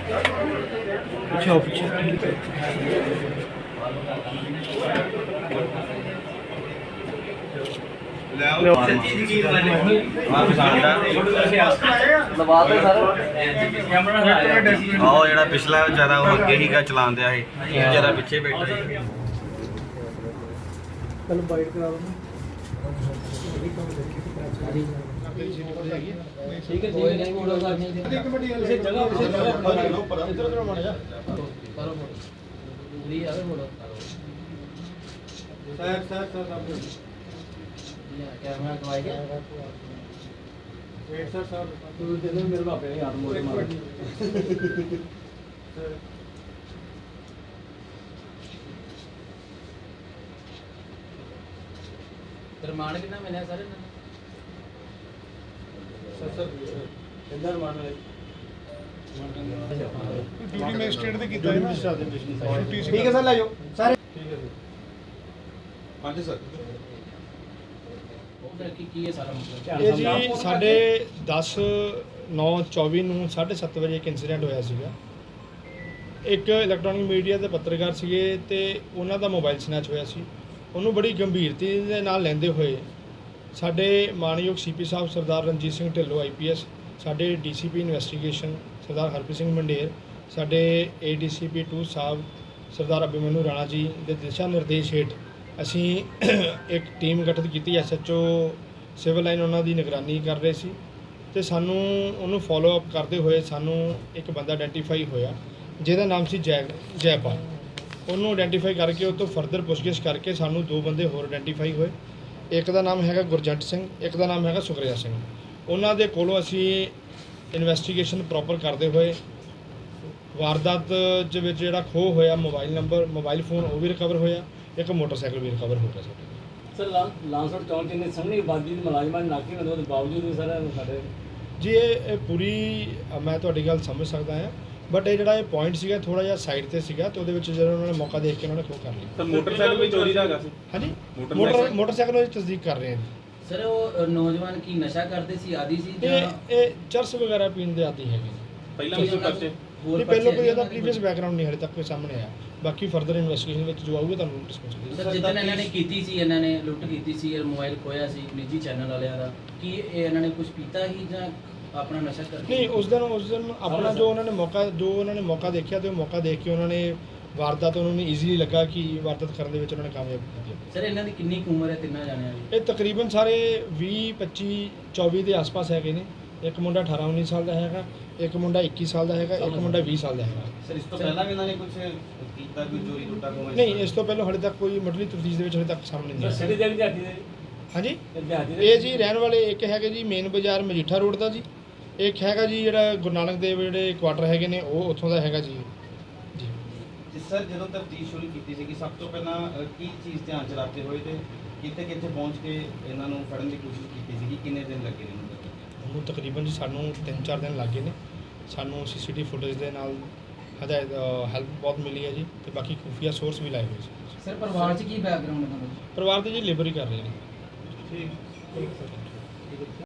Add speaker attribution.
Speaker 1: पीछे पीछे
Speaker 2: ਜਿਹੜਾ ਪਿਛਲਾ ਵਿਚਾਰਾ ਉਹ ਅੱਗੇ ਹੀਗਾ ਚਲਾਉਂਦਿਆ ਸੀ ਵਿਚਾਰਾ ਪਿੱਛੇ ਬੈਠਾ ਸੀ
Speaker 1: चलो बाइट करा दो ठीक है नहीं मोड़ो एक मिनट इसे जगह ऊपर इधर उधर मार जा करो मोड़ो ली आवे मोड़ो सर आप ये कैमरा दवाई के वेट सर तू दे दो मेरे बाप ने हाथ मोड़ मार रिमांड कितना मिला सर सर इंदर मान ले
Speaker 3: ड्यूटी मैजिस्ट्रेट ਦੇ ਕੀਤਾ ਹੈ ਨਾ ਛੁੱਟੀ ਸੀ
Speaker 1: ठीक है सर ले जाओ सर
Speaker 3: ਠੀਕ ਹੈ ਹਾਂਜੀ ਸਰ
Speaker 1: ਕੀ ਹੈ ਸਾਰਾ ਮਸਲਾ
Speaker 3: ਇਹ ਜੀ ਸਾਡੇ 10/9/24 ਨੂੰ 7:30 ਵਜੇ ਇੱਕ ਇਨਸੀਡੈਂਟ ਹੋਇਆ ਸੀਗਾ। ਇੱਕ ਇਲੈਕਟ੍ਰੋਨਿਕ ਮੀਡੀਆ ਦੇ ਪੱਤਰਕਾਰ ਸੀਗੇ ਤੇ ਉਹਨਾਂ ਦਾ ਮੋਬਾਈਲ ਸਨੈਚ ਹੋਇਆ ਸੀ। ਉਹਨੂੰ ਬੜੀ ਗੰਭੀਰਤਾ ਦੇ ਨਾਲ ਲੈਂਦੇ ਹੋਏ ਸਾਡੇ ਮਾਨਯੋਗ ਸੀਪੀ ਸਾਹਿਬ ਸਰਦਾਰ ਰਣਜੀਤ ਸਿੰਘ ਢਿੱਲੋਂ IPS, ਸਾਡੇ DCP ਇਨਵੈਸਟੀਗੇਸ਼ਨ ਸਰਦਾਰ ਹਰਪ੍ਰੀਤ ਸਿੰਘ ਮੰਡੇਰ, ਸਾਡੇ ADCP 2 ਸਾਹਿਬ ਸਰਦਾਰ ਅਭਿਮਨੂ ਰਾਣਾ ਜੀ ਦੇ ਦਿਸ਼ਾ ਨਿਰਦੇਸ਼ ਹੇਠ ਅਸੀਂ ਇੱਕ ਟੀਮ ਗਠਿਤ ਕੀਤੀ। SHO ਸਿਵਲ ਲਾਈਨ ਉਹਨਾਂ ਦੀ ਨਿਗਰਾਨੀ ਕਰ ਰਹੇ ਸੀ ਤੇ ਸਾਨੂੰ ਉਹਨੂੰ ਫੋਲੋ ਅਪ ਕਰਦੇ ਹੋਏ ਸਾਨੂੰ ਇੱਕ ਬੰਦਾ ਆਇਡੈਂਟੀਫਾਈ ਹੋਇਆ ਜਿਹਦਾ ਨਾਮ ਸੀ ਜੈਪਾਲ। ਉਹਨੂੰ ਆਇਡੈਂਟੀਫਾਈ ਕਰਕੇ ਉਹ ਤੋਂ ਫਰਦਰ ਪੁੱਛਗਿੱਛ ਕਰਕੇ ਸਾਨੂੰ ਦੋ ਬੰਦੇ ਹੋਰ ਆਇਡੈਂਟੀਫਾਈ ਹੋਏ। ਇੱਕ ਦਾ ਨਾਮ ਹੈਗਾ ਗੁਰਜੰਟ ਸਿੰਘ, ਇੱਕ ਦਾ ਨਾਮ ਹੈਗਾ ਸੁਖਰਿਆ ਸਿੰਘ। ਉਹਨਾਂ ਦੇ ਕੋਲੋਂ ਅਸੀਂ ਇਨਵੈਸਟੀਗੇਸ਼ਨ ਪ੍ਰੋਪਰ ਕਰਦੇ ਹੋਏ ਵਾਰਦਾਤ ਦੇ ਵਿੱਚ ਜਿਹੜਾ ਖੋਹ ਹੋਇਆ ਮੋਬਾਈਲ ਫੋਨ ਉਹ ਵੀ ਰਿਕਵਰ ਹੋਇਆ, ਇੱਕ ਮੋਟਰਸਾਈਕਲ ਵੀ ਰਿਕਵਰ ਹੋ ਗਿਆ ਸਾਡੇ।
Speaker 1: ਸਰ ਲਾਂਸਰ ਚੌਂਕ ਦੇ ਸਾਹਮਣੇ ਆਬਾਦੀ ਦੇ ਮੁਲਾਜ਼ਮਾਂ ਨੇ ਨਾਕੇ ਲਗਾਉਣ ਦੇ ਬਾਵਜੂਦ ਵੀ ਸਰ ਸਾਡੇ
Speaker 3: ਜੀ ਇਹ ਪੂਰੀ ਮੈਂ ਤੁਹਾਡੀ ਗੱਲ ਸਮਝ ਸਕਦਾ ਹਾਂ, ਬਟ ਇਹ ਜਿਹੜਾ ਇਹ ਪੁਆਇੰਟ ਸੀਗਾ ਥੋੜਾ ਜਿਹਾ ਸਾਈਡ ਤੇ ਸੀਗਾ ਤੇ ਉਹਦੇ ਵਿੱਚ ਜਦੋਂ ਉਹਨਾਂ ਨੇ ਮੌਕਾ ਦੇਖ ਕੇ ਉਹਨਾਂ ਨੇ ਖੋਹ ਕਰ ਲਿਆ।
Speaker 4: ਤਾਂ ਮੋਟਰਸਾਈਕਲ ਵੀ ਚੋਰੀ ਦਾ ਹੈਗਾ ਸੀ?
Speaker 3: ਹਾਂਜੀ ਮੋਟਰਸਾਈਕਲ ਦੀ ਤਸਦੀਕ ਕਰ ਰਹੇ ਹਾਂ।
Speaker 5: ਸਰ ਉਹ ਨੌਜਵਾਨ ਕੀ ਨਸ਼ਾ ਕਰਦੇ ਸੀ, ਆਦੀ ਸੀ ਜਾਂ
Speaker 3: ਇਹ ਚਰਸ ਵਗੈਰਾ ਪੀਣ ਦੇ ਆਦੀ ਹੈਗੇ।
Speaker 4: ਪਹਿਲਾਂ ਵੀ ਕੋਈ ਪਰਚੇ?
Speaker 3: ਨਹੀਂ ਪਹਿਲਾਂ ਕੋਈ ਇਹਦਾ ਪ੍ਰੀਵੀਅਸ ਬੈਕਗ੍ਰਾਉਂਡ ਨਹੀਂ ਹਲੇ ਤੱਕ ਕੋਈ ਸਾਹਮਣੇ ਆਇਆ। ਬਾਕੀ ਫਰਦਰ ਇਨਵੈਸਟੀਗੇਸ਼ਨ ਵਿੱਚ ਜੋ ਆਊਗਾ ਤੁਹਾਨੂੰ ਡਿਸਕਸ ਕਰਾਂਗੇ।
Speaker 5: ਸਰ ਜਿੱਦਣ ਇਹਨਾਂ ਨੇ ਕੀਤੀ ਸੀ, ਇਹਨਾਂ ਨੇ ਲੁੱਟ ਕੀਤੀ ਸੀ, ਮੋਬਾਈਲ ਖੋਇਆ ਸੀ ਨਿੱਜੀ ਚੈਨਲ ਵਾਲਿਆਂ ਦਾ, ਕੀ ਇਹ ਇਹਨਾਂ ਨੇ ਕੁਝ ਪੀਤਾ ਹੀ ਜਾਂ ਆਪਣਾ ਨਸ਼ਾ ਕਰਦੇ?
Speaker 3: ਨਹੀਂ ਉਸ ਦਿਨ ਆਪਣਾ ਜੋ ਉਹਨਾਂ ਨੇ ਮੌਕਾ ਦੇਖਿਆ ਤੇ ਉਹ ਮੌਕਾ ਦੇਖ ਕੇ ਉਹਨਾਂ ਨੇ ਵਾਰਦਾਤ ਉਹਨਾਂ ਨੂੰ ਈਜ਼ੀਲੀ ਲੱਗਾ ਕਿ ਵਾਰਦਾਤ ਕਰਨ ਦੇ ਵਿੱਚ ਉਹਨਾਂ ਨੇ ਕਾਮਯਾਬ ਕੀਤੀ।
Speaker 5: ਸਰ ਇਹਨਾਂ ਦੀ ਕਿੰਨੀ ਕੁ ਉਮਰ ਹੈ ਤਿੰਨਾਂ ਜਾਣਿਆਂ ਦੀ?
Speaker 3: ਇਹ ਤਕਰੀਬਨ ਸਾਰੇ 20, 25, 24 ਦੇ ਆਸ-ਪਾਸ ਹੈਗੇ ਨੇ। ਇੱਕ ਮੁੰਡਾ 18, 19 ਸਾਲ ਦਾ ਹੈਗਾ, ਇੱਕ ਮੁੰਡਾ 21 ਸਾਲ ਦਾ ਹੈਗਾ, ਇੱਕ ਮੁੰਡਾ 20 ਸਾਲ ਦਾ ਹੈਗਾ।
Speaker 2: ਸਰ ਇਸ ਤੋਂ ਪਹਿਲਾਂ ਵੀ ਇਹਨਾਂ ਨੇ ਕੁਝ ਕੀਤਾ, ਕੋਈ ਚੋਰੀ ਲੁੱਟਾ ਕੋਈ?
Speaker 3: ਨਹੀਂ ਇਸ ਤੋਂ ਪਹਿਲਾਂ ਹਾਲੇ ਤੱਕ ਕੋਈ ਮੁੱਢਲੀ ਤਫਤੀਸ਼ ਦੇ ਵਿੱਚ ਹਾਲੇ ਤੱਕ ਸਾਹਮਣੇ ਨਹੀਂ
Speaker 1: ਸਿਟੀ ਦੇ ਵਿਦਿਆਰਥੀ ਦੇ
Speaker 3: ਹਾਂਜੀ
Speaker 1: ਵਿਦਿਆਰਥੀ ਦੇ
Speaker 3: ਇਹ ਜੀ ਰਹਿਣ ਵਾਲੇ ਇੱਕ ਹੈਗੇ ਜੀ ਮੇਨ ਬਾਜ਼ਾਰ ਮਜੀਠਾ ਰੋਡ ਦਾ ਜੀ, ਇੱਕ ਹੈਗਾ ਜੀ ਜਿਹੜਾ ਗੁਰੂ ਨਾਨਕ ਦੇਵ ਜਿਹੜੇ ਕੁਆਟਰ ਹੈਗੇ ਨੇ ਉਹ ਉੱਥੋਂ ਦਾ ਹੈਗਾ ਜੀ।
Speaker 2: ਜੀ ਸਰ ਜਦੋਂ ਤਫਤੀਸ਼ ਸ਼ੁਰੂ ਕੀਤੀ ਸੀ ਕਿ ਸਭ ਤੋਂ ਪਹਿਲਾਂ ਕੀ ਚੀਜ਼ ਧਿਆਨ ਚ ਰੱਖਦੇ ਹੋਏ ਤੇ ਕਿੱਥੇ ਪਹੁੰਚ ਕੇ ਇਹਨਾਂ ਨੂੰ ਫੜਨ ਦੀ ਕੋਸ਼ਿਸ਼ ਕੀਤੀ ਸੀ? ਕਿੰਨੇ ਦਿਨ ਲੱਗੇ ਨੇ
Speaker 3: ਉਹਨੂੰ? ਤਕਰੀਬਨ ਜੀ ਸਾਨੂੰ 3-4 ਦਿਨ ਲੱਗੇ ਨੇ। ਸਾਨੂੰ CCTV ਫੁਟੇਜ ਦੇ ਨਾਲ ਹੈਲਪ ਬਹੁਤ ਮਿਲੀ ਹੈ ਜੀ ਤੇ ਬਾਕੀ ਖੁਫੀਆ ਸੋਰਸ ਵੀ ਲਾਏ ਹੋਏ ਸੀ।
Speaker 5: ਸਰ ਪਰਿਵਾਰ 'ਚ ਕੀ ਬੈਕਗ੍ਰਾਉਂਡ ਹੈ?
Speaker 3: ਪਰਿਵਾਰ ਦੇ ਜੀ ਲੇਬਰ ਹੀ ਕਰ ਰਹੇ ਨੇ। ਠੀਕ।